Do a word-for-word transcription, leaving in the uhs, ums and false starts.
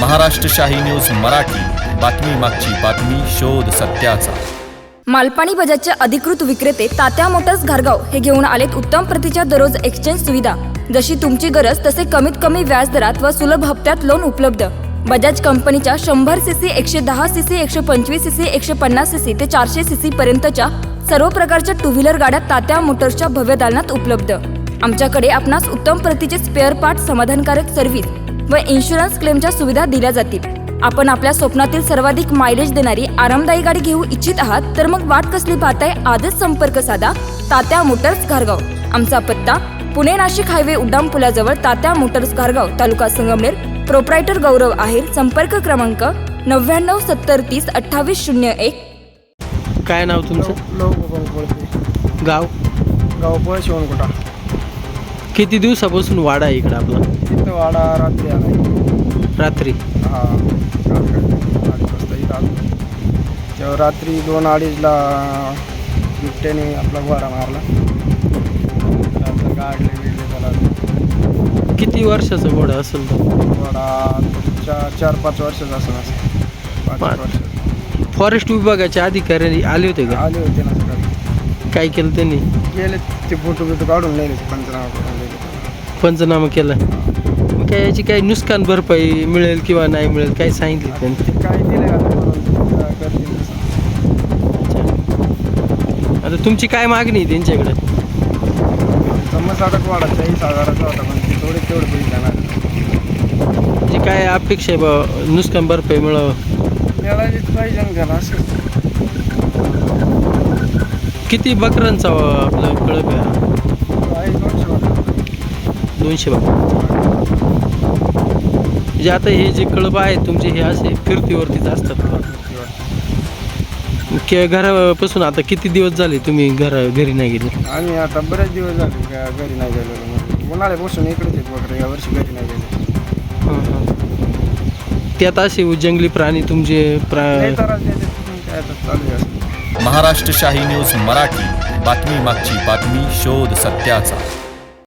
महाराष्ट्र शाही न्यूज मराठी, बातमी मागची बातमी, शोध सत्याचा। मालपाणी बजाजचे अधिकृत विक्रेते तात्या मोटर्स घारगाव हे घेऊन आलेत उत्तम प्रतीच्या दररोज एक्सचेंज सुविधा। जशी तुमची गरज तसे कमीत कमी व्याज दरात व सुलभ हप्त्यात लोन उपलब्ध। बजाज कंपनीच्या शंभर सीसी, एकशे दहा सीसी, एकशे पंचवीस सीसी, एकशे पन्नास सीसी ते चारशे सीसी पर्यंतच्या सर्व प्रकारच्या टू व्हीलर गाड्या तात्या मोटर्सच्या भव्य दालनात उपलब्ध। आमच्याकडे आपणास उत्तम प्रतीचे स्पेअर पार्ट, समाधानकारक सर्व्हिस व इन्शुरन्स क्लेमच्या सुविधा दिल्या जातील। आपण आपल्या स्वप्नातील सर्वाधिक मायलेज देणारी आरामदायी गाडी घेऊ इच्छित आहात तर मग वाट कसली पाहताय? आजच संपर्क साधा तात्या मोटर्स घारगाव। आमचा पत्ता पुणे नाशिक हायवे उड्डाण पुलाजवळ, तात्या मोटर्स घारगाव, तालुका संगमनेर। प्रोप्रायटर गौरव आहेर। संपर्क क्रमांक नव्याण्णव सत्तर तीस अठ्ठावीस शून्य एक। काय नाव तुमचं? लोक गाव गाव पळ शिवणकोटा. किती दिवसापासून वाडा आहे इकडं आपला? इथं वाडा रात्री आला. रात्री हा अडीच वाजता इथं आलो. तेव्हा रात्री दोन अडीचला बिबट्याने आपला घोडा मारला. गाडले बिडले त्याला. किती वर्षाचा घोडा असेल तो? घोडा चार चार पाच वर्षाचा असं असं पाच पाच. वर्ष फॉरेस्ट विभागाचे अधिकारी आले होते का? आले होते ना सकाळी. काय केलं त्यांनी? गेले ते फोटो बिटो काढून नेले, पंचनामा करून नेले. पंचनामा केला. मग काय याची काही नुकसान भरपाई मिळेल किंवा नाही मिळेल काय सांगितलं त्यांनी? ते काय दिले का म्हणून करतील तसं. आता तुमची काय मागणी आहे त्यांच्याकडे? समज वाडा चाळीस हजाराचा होता, पण ते थोडे तेवढे पैसे जाणार. म्हणजे काय अपेक्षा आहे बा नुकसान भरपाई मिळावं? मिळालीच पाहिजे ना त्याला. असं किती बकरांचा आपलं कळप आहे? आहे दोनशे वाटा. दोनशे बकरा. म्हणजे आता हे जे कळप आहे तुमचे हे असे फिरतीवरतीच असतात का? कि घरापासून आता किती दिवस झाले तुम्ही घरा घरी नाही गेले? आम्ही आता बरेच दिवस झाले का घरी नाही गेलेलो. उन्हाळ्यापासून इकडेच आहेत वगैरे, यावर्षी घरी नाही गेले. हां हां. त्यात असे जंगली प्राणी तुमचे प्रा नाही तर आज देते, काय आता चालू आहे. महाराष्ट्र शाही न्यूज मराठी, बातमी मागची बातमी, शोध सत्याचा।